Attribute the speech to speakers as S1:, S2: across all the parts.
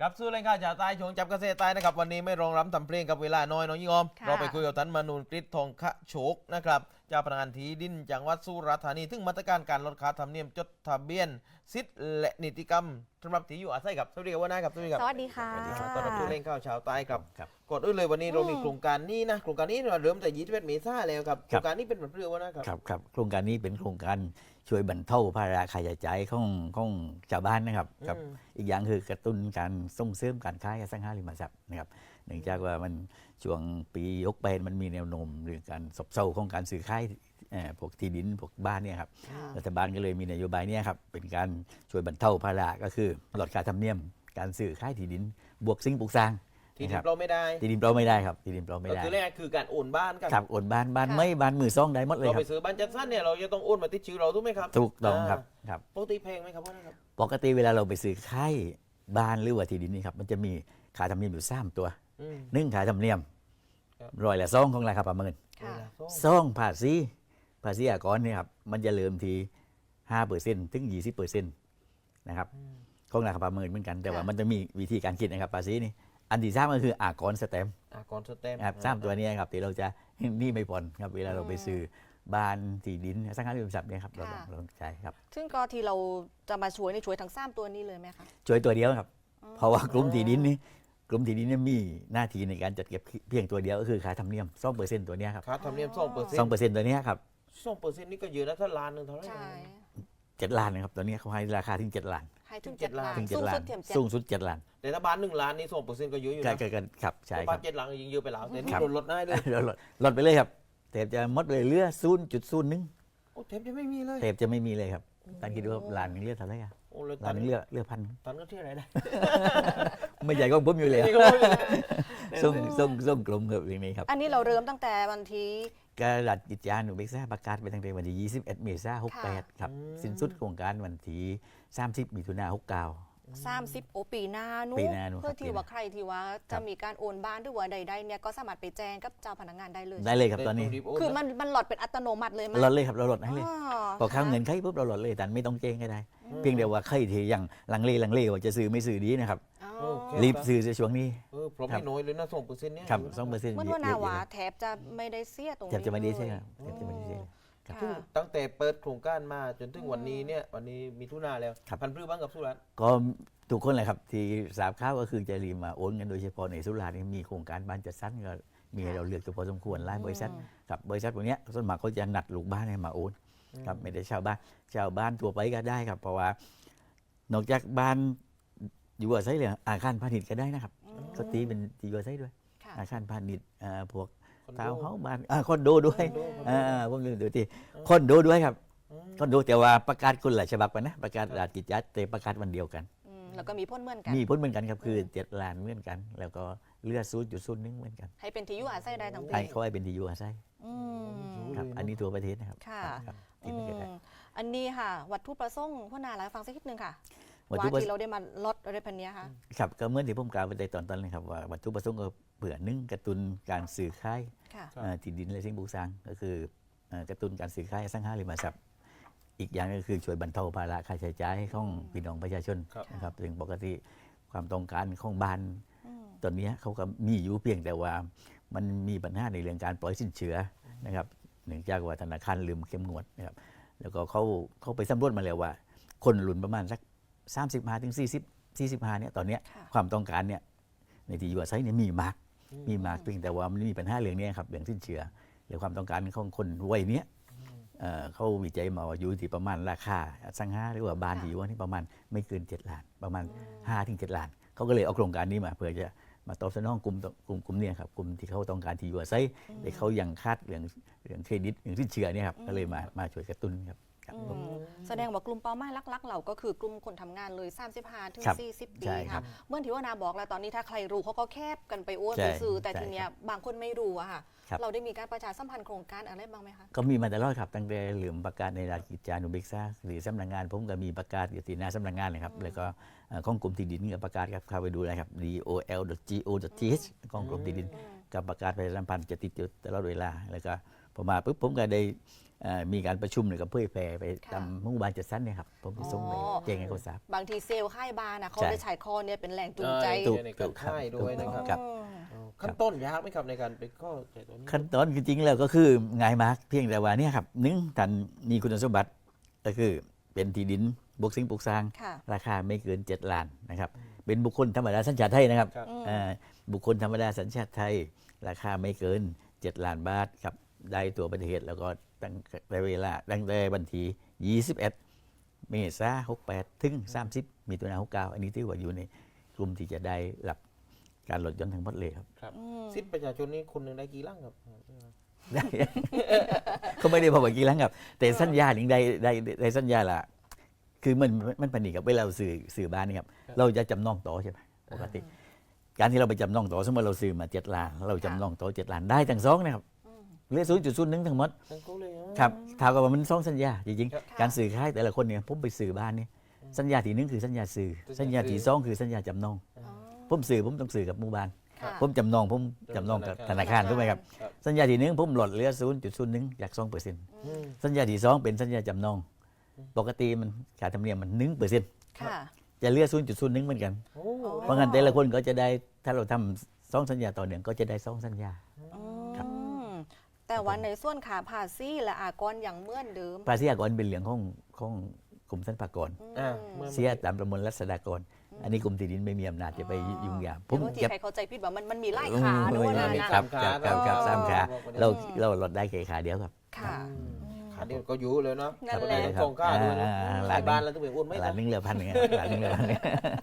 S1: ครับสู้เล่นข้าวชาวใต้ช่วงจับเกษตรใต้นะครับวันนี้ไม่รองรับทำเพลงกับเวลาน้อยน้องยิ่งอม
S2: ค่ะ
S1: เราไปคุยกับท่านมนูนกฤษทองคะโฉกนะครับเจ้าพนักงานที่ดินจังหวัดสุราษฎร์ธานีถึงมาตรการการลดค่าธรรมเนียมจดทะเบียนสิทธิ์และนิติกรรมสำหรับที่อยู่อาศัยครับสวัสดีครับว่านะครับสวัสดีครับ
S2: สวัสดีค่ะ
S1: สวัสดีครับต้อนรับสู้เล่นข้าวชาวใต้ครับ
S3: ครับ
S1: ก่อนอื่นเลยวันนี้เรามีโครงการนี้นะโครงการนี้เราเริ่มแต่21 เมษายนแล้วครับโค
S3: ครั
S1: ร
S3: บ
S1: งการนี้เป็นแบบเรื่องว่านะครับ
S3: ครับโครงการนี้เป็นโครงการช่วยบรรเทาภาระค่าใช้จ่ายของชาวบ้านนะครับครับ อีกอย่างคือกระตุ้นการส่งเสริมการค้าอสังหาริมทรัพย์นะครับเนื่องจากว่ามันช่วงปียกไปมันมีแนวโน้มเรื่องการซบเซาของการซื้อขายพวกที่ดินพวกบ้านเนี่ยครับ
S2: ค่ะ
S3: รัฐบาลก็เลยมีนโยบายเนี่ยครับเป็นการช่วยบรรเทาภาระก็คือลดค่าธรรมเนียมการซื้อขายที่ดินบวกสิ่งปลูกสร้าง
S1: ที่
S3: นะ
S1: ดิ
S3: คน รับ
S1: เราไม่ได้
S3: ที่ดินเปล่าไม่ได้ครับที่ดินเปล่าไม่
S1: ก็
S3: ได้
S1: คือแรกคือการโอนบ้านกัน
S3: ครับโอนบ้าน
S2: ค่ะ
S3: ไม่บ้านมือซ่องได้หมดเลย
S1: เรา
S3: ครั
S1: ไป
S3: บ
S1: ซื้อบ้านจัดสรรเนี่ยเราจะต้องโอนมาติดชื่อเราถูกไหมครับ
S3: ถูกต้องครับครับ
S1: ปกติแพงไหมครับว่านะครับ
S3: ปกติเวลาเราไปซื้อค่ายบ้านหรือว่าที่ดินนี่ครับมันจะมีค่าธรรมเนียมอยู่3ตัว
S1: อืม
S3: หนึ่งค่าธรรมเนียม
S1: ครับ
S3: ร้อยละ2ของราคาประเมิน
S2: ค่ะ
S3: สองภาษีอากรเนี่ยครับมันจะเริ่มที่5%ถึง 20%นะครับของราคาประเมินเหมือนกันแต่ว่า
S2: ค่ะ
S3: มันจะมีวิธีการคิดนะครับภาษีนี่อันที่สามก็คืออากรสแตมป์
S1: ก่อนสเต็ม
S3: ครับสามตัวเนี้ครับที่เราจะนี่ไม่ผ่อนครับเวลาเราไปซื้อบ้านที่ดินอสังหาริมทรัพย์เนี่ยครับเราต้องใช้ครับ
S2: ซึ่งก็ที่เราจะมาช่วยในช่วยทั้ง3ตัวนี้เลยไหมคะ
S3: ช่วยตัวเดียวครับ เพราะว่ากลุ่มที่ดินนี่กลุ่มที่ดินเนี่ยมีหน้าที่ในการจัดเก็บเพียงตัวเดียวก็คือค่าธรรมเนียม2%ตัวเนี้ยครับ
S1: ค่าธรรมเนียม2%
S3: 2%ตัวเนี้ยครับ
S1: 2%นี่ก็เยอะนะถ้าล้านหนึ่งเท่าไหร่
S2: ใช่
S3: 7 ล้านนะครับตัวเนี้ยเขาให้ราคาถึง7 ล้าน
S2: ให้ถึง
S1: ถึงเจ็ด
S2: 7 ล้าน
S1: ล้าน
S3: ถึง
S2: สูง
S3: 7 ล้า
S2: สุ
S3: น
S2: ดเทียมเจ็ด
S3: สูงสุด7 ล้าน
S1: แต่ถ้าบ้าน1 ล้านนี่2%ก็เยอะอยู่
S3: ใช่
S1: นะ
S3: กันครับใช่
S1: เพราะ
S3: ค
S1: บ้า
S3: รับ
S1: น7 หลังยิงเยอะไปแล้วแต่นี่
S3: ครับ
S1: ลดได้เลย
S3: ลดไปเลยครับแทบจะหมดเลยเหลือ 0.01
S1: โอ้เทปจะไม่มีเลย
S3: แทบจะไม่มีเลยครับท่านคิดดูว่าล้านหนึงเหลือเท่าไหร่อะ
S1: โอ้เลย
S3: ล้านหนึงเหลือพัน
S1: ตันก็ที่อะไรได้
S3: ไม่ใหญ่ก็ผมอยู่เลย
S1: นี่ก็ไม่มี
S3: ส่งกลมครับเรื่องนี้ครับ
S2: อันนี้เราเริ่มตั้งแต่วันที่
S3: การรัฐกิจจานุเบกษาประกาศไปตั้งแต่วันที่21 เมษายน68ครับสิ้นสุดโครงการวันที่30 มิถุนายน69
S2: 30ปีหน้านู้
S3: ปีหน้านู้น
S2: เพื่อ
S3: ครับ
S2: ที่ว่าใครที่ว่า
S3: ครั
S2: จะ
S3: บ
S2: มีการโอนบ้านหรือว่าใดๆเนี่ยก็สามารถไปแจ้งกับเจ้าพนักงานได้เลย
S3: ได้เลยครับตอนนี้
S2: คือมันหลอดเป็นอัตโนมัติเลยไหม
S3: ลดเลยครับเราลดให้เลย
S2: อ๋อ
S3: พอเข้าเงินใครปุ๊บเราลดเลยแต่ไม่ต้องเจ๊งก็ได้ เพียงแต่ว่าใครที่ยังลังเลว่าจะซื้อไม่ซื้อดีนะครับ
S2: อ๋อ
S1: โอเค
S3: รีบซื้อในช่วงนี้
S1: เพราะ
S3: ครั
S1: ไม่
S3: บ
S1: น้อยเลยนะ2%เนี่ย
S3: ครับ2%
S2: เหมื่อนว่านาหวาแทบจะไม่ได้เสียตรง
S3: แท
S2: นี้
S3: บจะไม่ได้ใช่
S2: เลย
S3: ครับแทบจะไม่ได้ใช่ครับ
S1: ซึ่ง
S2: ค่ะ
S1: ตั้งแต่เปิดโครงการมาจนถึงวันนี้เนี่ยวันนี้มีทุนาแล้ว
S3: ครับ
S1: พันธุ์พืชบ้างกับสุรัตน์
S3: ก็ทุกคนเลยครับที่ทราบข่าวก็คือจะรีบมาโอนกันโดยเฉพาะในสุราษฎร์นี่มีโครงการบ้านจัดสรรก็มีให้เราเลือกอยู่พอสมควรหลายบริษัทครับบริษัทพวกเนี้ยส่วนมากเขาจะนัดลูกบ้านให้มาโอนครับไม่ได้ชาวบ้านทั่วไปก็ได้ครับ เพราะว่านอกจากบ้านอยู่อาศัยเลยอาคารพาณิชย์ก็ได้นะครับก็ตีเป็นที่อยู่อาศัยด้วย
S2: ค่ะ
S3: อาคารพาณิชย์พวก
S1: คอนโด
S3: ทาวน์เฮาส์บ้านคอนโดด้วย
S1: คอนโดคอนโด
S3: ผมลืมดูที่คอนโดด้วยครับคอนโดแต่ว่าประกาศคนละฉบับกันนะประกาศราชกิจจาแต่ประกาศวันเดียวกัน
S2: แล้วก็มีพ่นเหมือนกัน
S3: มีผลเหมือนกันครับคือ7 ล้านเหมือนกัน แล้วก็เลือด0.01เหมือนกัน
S2: ให้เป็นที่อยู่อาศัยได้ทั้งปี
S3: ให้เขาให้เป็นที่อยู่อาศัย
S2: อืม
S3: ครับอันนี้ตัวประเทศนะครับ
S2: ค่ะ
S3: ครับ
S2: อื
S3: ที่ไม่เคยได้
S2: มอันนี้ค่ะ วัตถุประสงค์พ่อนาหลายฟังสักนิดนึงค่ะ
S3: วัต
S2: ว่า
S3: ถุประ
S2: ที่เราได้มาลดอะไรพันเนี้ยค่ะ
S3: ครับก็เหมื่อนที่ผมกล่าวไปในตอนต้นเลยครับว่าวัตถุประสงค์ก็เผื่อหนึ่งกระตุ้นการซื้อขาย
S2: ค่ะ
S3: ที่ดินและสิ่งปลูกสร้างก็คือกระตุ้นการซื้อขายอสังหาริมทรัพย์อีกอย่างก็คือช่วยบรรเทาภาระค่าใช้จ่ายของพี่น้องประชาชน
S1: ครับ
S3: นะครับซึ่งปกติความต้องการของบ้าน
S2: อืม
S3: ตอนนี้เขาก็มีอยู่เพียงแต่ว่ามันมีปัญหาในเรื่องการปล่อยสินเชื่อนะครับเนื่องจากว่าธนาคารลืมเข้มงวดนะครับแล้วก็เขาไปสำรวจมาแล้วว่า คนรุ่นประมาณสัก35ถึง45เนี่ยตอนเนี้ย
S2: ค่ะ
S3: ความต้องการเนี่ยในที่อยู่อาศัยเนี่ยมีมากเพียงแต่ว่ามันมีปัญหาเรื่องนี้ครับเรื่องสินเชื่อหรือความต้องการของคนวัยเนี้ยเขาวิจัยมาว่าอยู่ที่ประมาณราคาอสังหาหรือว่าบ้านที่อยู่นี่ประมาณไม่เกิน7 ล้านประมาณ5ถึง7 ล้านเขาก็เลยเอาโครงการนี้มาเพื่อจะมาตอบสนองกลุ่มเนี่ยครับกลุ่มที่เขาต้องการที่อยู่อาศัยแต่เขายังคาดเรื่องเครดิตเรื่องสินเชื่อเนี่ยครับก็เลยมาช่วยกระตุ้นครับครับ
S2: อืมแสดงว่ากลุ่มเป้าหมายหลักๆ เราก็คือกลุ่มคนทำงานเลย 35ถึง
S3: ครับ
S2: 40 ปี
S3: ใช่ครั
S2: ค่ะ
S3: บ
S2: เมื่อที่ว่านาบอกแล้วตอนนี้ถ้าใครรู้เขาก็แคบกันไปโอน
S3: ใช่
S2: ไปซื้อแต่
S3: ใช่
S2: ทีเนี้ยบางคนไม่รู้อะค่ะ
S3: ครับ
S2: เราได้มีการประชาสัมพันธ์โครงการอะไรบ้างไหมคะ
S3: ก็มีมาตลอดครับตั้งแต่เหลือมประกาศในราชกิจจานุเบกษาหรือสำนักงานผมก็มีประกาศอยู่ที่หน้าสำนักงานเลยครับแล้วก็ของกรมที่ดินก็ประกาศครับเข้าไปดูนะครับ dol.go.th ของกรมที่ดินกับประกาศประชาสัมพันธ์จะติดอยู่ตลอดเวลาแล้วก็พอมาปุ๊บผมก็ได้มีการประชุมหรือกับเพื่อแพร่ไป
S2: ค่ะ
S3: ตามหมู่บ้านจัดสรรเนี่ยครับผมไปส่งไป
S2: อ๋อ
S3: แจ้งให้เขาทราบบ
S2: างทีเซลล์ค่ายบาร์นะเขา
S3: ใช่
S2: ได้ใช้คอเนี่ยเป็นแรงจูงใจ
S1: ถูกในการค่ายด้วยนะครับ
S3: ครับ
S1: ขั้นต้นยากไหมครับในการไปข้อใจตัวนี้
S3: ขั้นตอนจริงๆแล้วก็คือง่ายมากเพียงแต่ว่าเนี่ยครับหนึ่งท่านมีคุณสมบัติก็คือเป็นที่ดินบวกสิ่งปลูกสร้าง
S2: ค่ะ
S3: ราคาไม่เกิน7 ล้านนะครับเป็นบุคคลธรรมดาสัญชาติไทยนะครับ
S1: ครับ
S3: บุคคลธรรมดาสัญชาติไทย ราคาไม่เกิน7 ล้านบาทครับได้ตัวประเทศแล้วก็ตั้งแต่เวลาตั้งแต่วันที่21 เมษายน68 ถึง 30 มีตัวนา69อันนี้ที่ว่าอยู่ในกลุ่มที่จะได้รับการลดหย่อนทั้งหมดเลยครับ
S1: ครับสิทธิประชาชนนี่คนหนึ่งได้กี่ลังครับ
S3: ได้ เขาไม่ได้บอกว่ากี่ครั้งครับ แต่สัญญาหนึ่งได้สัญญาละคือมันปนิกับเวลาเราสื่อบ้านนี่ครับ เราจะจำนองต่อใช่ไหมปกติ การที่เราไปจำนองต่อสมมติเราซื้อมา7 ล้านเราจำนองต่อ7 ล้านได้ทั้งสองนะครับเหลือ0.01ทั้งหมด
S1: ทั้งคู่เลยเหรอ
S3: ครับเท่ากับว่ามันสองสัญญาจริง
S1: ครับ
S3: ๆการสื่อค่ายแต่ละคนเนี่ยผมไปสื่อบ้านนี่สัญญาที่หนึ่งคือสัญญาสื่อสัญญาที่สองคือสัญญาจำนองผมต้องสื่อกับหมู่บ้าน
S2: ค่ะ
S3: ผมจำนองกับธนาคารถูกไหมครับ
S1: ครับ
S3: สัญญาที่หนึ่งผมลดเหลือ0.01จาก 2%
S1: อืม
S3: สัญญาที่สองเป็นสัญญาจำนอง ปกติมันค่าธรรมเนียมมัน1%
S2: ค่ะ
S3: จะเหลือ0.01เหมือนกัน
S1: โอ้
S3: เพราะงั้นแต่ละคนก็จะได้ถ้าเราทำ2 สัญญาต่อเนื่องก็จะได้2 สัญญา ครับ
S2: แต่ว่าในส่วนขาภาษีและอากรอย่างเหมื่อนเดิม
S3: ภาษีอากรเป็นเรื่องของกรมสรรพากร
S1: อ่าเมื่อ
S3: เสียตามประมวลรัษฎากร อันนี้กรมที่ดินไม่มีอำนาจจะไปยุ่งยาก
S2: บางทีใครเข้าใจผิดว่ามันมีไล่ขา
S3: อืม
S2: ด้วยนะ
S3: ไม่
S2: นะ
S3: ครับสามขา เราลดได้แค่ขาเดียวครับ
S2: ค่ะ
S1: ขาเดียวก็อยู่เลยเนาะ
S2: นั่น
S1: ก็
S2: แหละ
S1: ได้ทั้งกองข้าด้วยนะ
S3: หลาน
S1: ในบ้านเราต้องไปอ้วนไหม
S3: หลานนึงเหลือพันหนึ่งหลานนึงเหลือพันหนึ่ง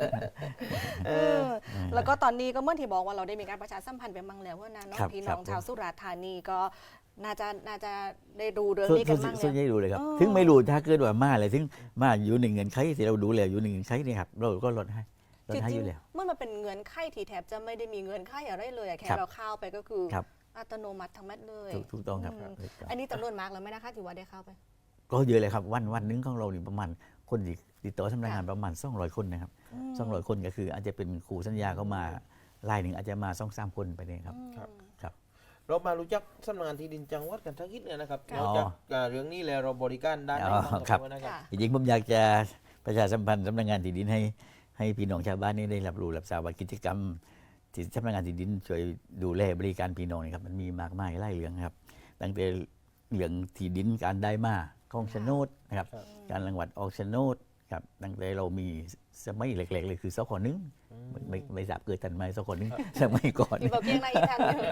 S2: แล้วก็ตอนนี้ก็เมื่อที่บอกว่าเราได้มีการประชาสัมพันธ์ไปมั่งแล้วว่านะน้อง
S3: ครับ
S2: พี่
S3: ครั
S2: น้
S3: บ
S2: องชาวสุราษฎร์ธานีก็น่าจะได้ดูเรื่อง
S3: ส่วน
S2: นี้กันมั่ง
S3: ส่วน
S2: แล้ว
S3: ใหญ่ดูเลยครับ
S2: อ๋อ
S3: ถึงไม่รู้ถ้าเกิดว่ามาอะไรถึงมาอยู่ในเงินไขที่เราดูแล้วอยู่ในเงินไขนี่ครับเราก็ลดให้
S2: จริ
S3: อง ยู่แล้ว
S2: ๆเมื่อมันเป็นเงินไขที่แทบจะไม่ได้มีเงินไขอะไรเลยอะแค่
S3: ครับ
S2: เราเข้าไปก็คือ
S3: ครับ
S2: อัตโนมัติทั้งแมดเลย
S3: ถูกต้องครับ
S2: อืมอันนี้จำนวนมากแล้วไหมนะคะที่ว่าได้เข้าไป
S3: ก็เยอะเลยครับวันหนึงของเรานี่ประมาณคนที่ติดต่อทำงานประมาณ200 คนนะครับ200 คนก็คืออาจจะเป็นครูสัญญาเข้ามารายหนึ่งอาจจะมา2-3 คนไปเนี่ยครับ ครับ
S1: เรามารู้จักสำนักงานที่ดินจังหวัดกันทักนิดเนี่ยนะครับ
S2: ค่ะ
S1: นอกจากเรื่องนี้แล้วเราบริการด้านไหน
S3: อ๋อ
S1: บ้าง
S3: ครับ
S1: นะครับ
S2: ค่ะ
S3: จริงๆผมอยากจะประชาสัมพันธ์สำนักงานที่ดินให้พี่น้องชาวบ้านนี่ได้รับรู้รับทราบว่ากิจกรรมที่สำนักงานที่ดินช่วยดูแลบริการพี่น้องนี่ครับมันมีมากมายหลายเรื่องครับตั้งแต่เรื่องที่ดินการได้มาของโฉนดนะครับ
S1: ครับ
S3: การรังวัดออกโฉนดครับตั้งแต่เรามีสมัยเล็กๆเลยคือสคหนึ่งไม่ทราบเกิดทันไหมสคหนึ่งสมัยก่อน
S2: ที่บอกเพียงในอีกทางหนึง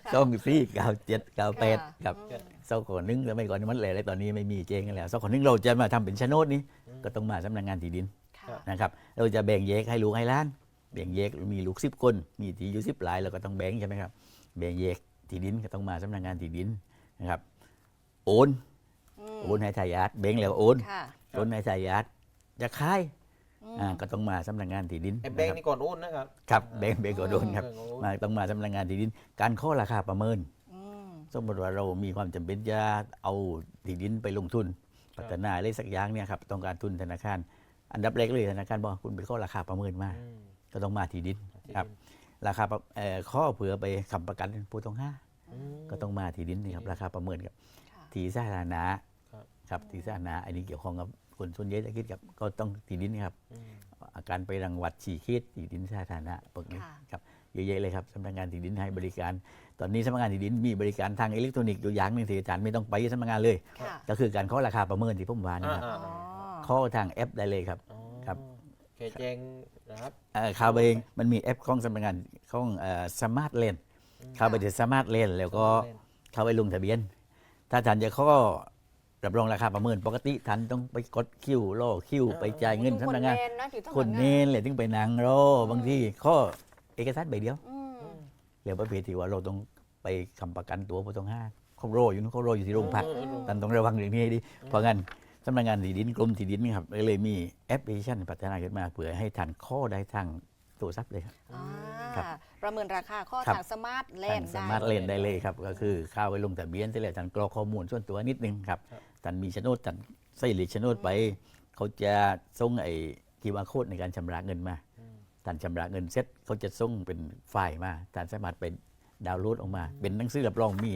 S3: 2497 98ครับสคหนึ่งสมัยก่อนนี่มันแหล่เลยตอนนี้ไม่มีเจงกันแล้วสคหนึ่งเราจะมาทำเป็นโฉนดนี้ก็ต้องมาสำนักงานที่ดิน
S2: ค่ะ
S3: นะครับเราจะแบ่งแยกให้ลูกให้หล้านแบ่งแยกมีลูก10 คนมีที่อยู่10 หลายเราก็ต้องแบ่งใช่ไหมครับแบ่งแยกที่ดินก็ต้องมาสำนักงานที่ดินนะครับโอนให้ทายาทแบ่งแล้วโอน
S2: ค่ะ
S3: โอนให้ทายาทจะขายก็ต้องมาสำนักงานที่ดิน
S1: ไอ้แบงค์นี่ก่อนโอนนะครับ
S3: ครับแบ่งก็โดนครับ
S1: แบ่งก็โอน
S3: มาต้องมาสำนักงานที่ดิน การข้อราคาประเมิน
S2: อืม
S3: สมมติว่าเรามีความจำเป็นจะเอาที่ดินไปลงทุนพัฒนาอะไรสักอย่างเนี่ยครับต้องการทุนธนาคาร อันดับแรกเลยธนาคารบอกคุณไปข้อราคาประเมินมา
S1: อืม
S3: ก็ต้องมาที่ดินครับราคาข้อเผื่อไปค้ำประกันผู้ต้องหา
S1: อืม
S3: ก็ต้องมาที่ดินนี่ครับราคาประเมินครับ
S2: ค่ะ
S3: ที่สาธารณะ
S1: ครับ
S3: ครับที่สาธารณะอันนี้เกี่ยวข้องกับคนส่วนใหญ่จะคิดกับก็ต้องที่ดินครับ
S1: อืม
S3: อาการไปรังวัดฉี่คิดที่ดินสาธารณะพวกนี้
S2: ค่ะ
S3: ครับเยอะๆเลยครับสำนักงานที่ดินให้บริการ ตอนนี้สำนักงานที่ดินมีบริการทางอิเล็กทรอนิกส์อยู่อย่างหนึงที่อาจารย์ไม่ต้องไปสำนักงานเลย
S2: ค่ะ
S3: ก็คือการข้อราคาประเมินที่ผมว่านะครับ
S1: อ่า
S2: อ๋อ
S3: ข้อทางแอปได้เลยครับ
S1: อ๋อ
S3: ครับ
S1: แค่แจงนะครับ
S3: เข้าไปมันมีแอปของสำนักงานของสมาร์ทเลนเข้าไปที่สมาร์ทเลนแล้วก็เข้าไปลงทะเบียน ถ้าท่านจะข้อรับรองราคาประเมินปกติท่านต้องไปกดคิวรอคิวไปจ่ายเงินสำนักงาน คนเน้นเลยถึงไปนั่งรอบางทีข้อเอกสารใบเดียว
S2: อืม
S3: เรียกประเภทที่ว่าเราต้องไปคำประกันตัวผู้ต้องหาเขารออยู่นู้นเขารออยู่ที่โรงพักท่านต้องระวังเรื่องนี้ให้ดีเพราะงั้นสำนักงานที่ดินกรมที่ดินนี่ครับเลยมีแอปพลิเคชันพัฒนาขึ้นมาเพื่อให้ท่านข้อได้ทางโทรศัพท์เลยครับ
S2: อ่า
S3: ครับ
S2: ประเมินราคาข้อ
S3: ครับ
S2: ทางสมาร์ทแล
S3: ท่าน
S2: นด์
S3: สา
S2: ได้
S3: มารถเล่นได้เลยครับก็คือเข้าไปลงทะเบียนเสร็จแล้วท่านกรอกข้อมูลส่วนตัวนิดนึงครับท่านมีโฉนดท่านใส่หลีกโฉนดไป เขาจะส่งไอ้QR code ในการชำระเงินมาท่านชำระเงินเสร็จเขาจะส่งเป็นไฟล์มาท่านสามารถไปดาวน์โหลดออกมา เป็นหนังสือรับรองมี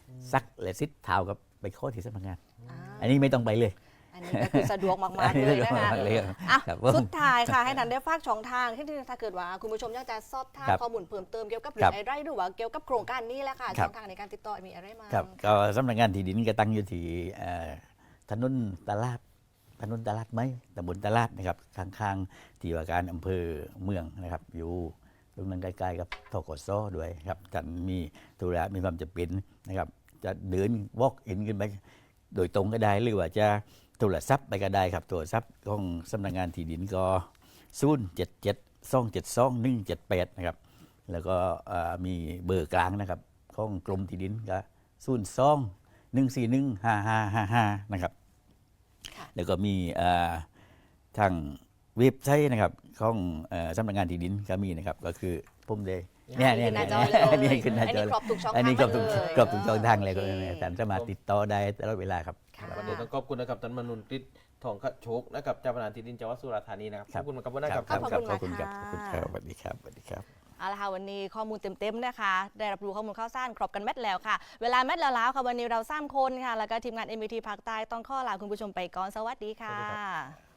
S3: ซักและซิดเท้ากับไปข้อที่สำนักงาน
S2: อ่า
S3: อันนี้ไม่ต้องไปเลย
S2: อันนี้ก็คือสะดวกมากๆเลยนะคะ
S3: เลย
S2: อ่ะ
S3: ครับ
S2: สุดท้ายค่ะ ให้ทันได้ฝากช่องทางที่ถ้าเกิดว่าคุณผู้ชมอยากจะสอบถาม
S3: ครับ
S2: ข้อมูลเพิ่มเติมเกี่ยวกับ
S3: ค
S2: เรื่
S3: รั
S2: อบ งอะไรหรือว่าเกี่ยวกับโครงการนี้แหละค่ะ
S3: ครับ
S2: ช่องทางในการติดต่อมีอะไรบ้าง
S3: ครับก็สำนักงานที่ดินก็ตั้งอยู่ที่ถนนตลาดไหมตำบลตลาดนะครับข้างๆที่ว่าการอำเภอเมืองนะครับอยู่ตรงนั้นใกล้ๆกับทกสด้วยครับท่านมีธุระมีความจำเป็นนะครับจะเดินวอล์กอินขึ้นไปโดยตรงก็ได้หรือว่าจะโทรศัพท์ไปก็ได้ครับโทรศัพท์ของสำนักงานที่ดินก็077-272-178นะครับแล้วก็มีเบอร์กลางนะครับของกรมที่ดินก็02-141-5555นะครับ
S2: ค่ะ
S3: แล้วก็มีทางเว็บไซต์นะครับของสำนักงานที่ดินก็มีนะครับก็คือผมเลยเนี่ย
S2: ขึ้นหน้าจอเลย
S3: อันนี้ขึ้นหน้าจอ
S2: อันนี้ครบทุกช่องทาง
S3: อันนี้ครบทุก
S2: เลย
S3: ครบทุกช่องทางเลย
S2: โอ
S3: ก็
S2: เค
S3: ท่านสามารถติดต่อได้ตลอดเวลาครับ
S2: ค่ะ
S1: วันนี้ต้องขอบคุณนะครับท่านมนุนฤทธิ์ทองขโชคนะครับเจ้าพนักงานที่ดินจังหวัดสุราษฎร์ธานีนะครับขอบคุณมากครับวันนี้ครับ
S2: ขอบคุณ
S3: ครับ
S2: มาก
S3: ขอบคุณ
S2: ค่ะ
S3: ครับสวัสดีครับสวัสดีครับ
S2: เอาละค่ะวันนี้ข้อมูลเต็มๆนะคะ ได้รับรู้ข้อมูลข่าวสารครบกันแมทแล้วค่ะ เวลาแมทแล้วค่ะวันนี้เรา3 คนค่ะ แล้วก็ทีมงาน MVT ภาคใต้ต้องข้อลาคุณผู้ชมไปก่อนสวัสดีค่ะ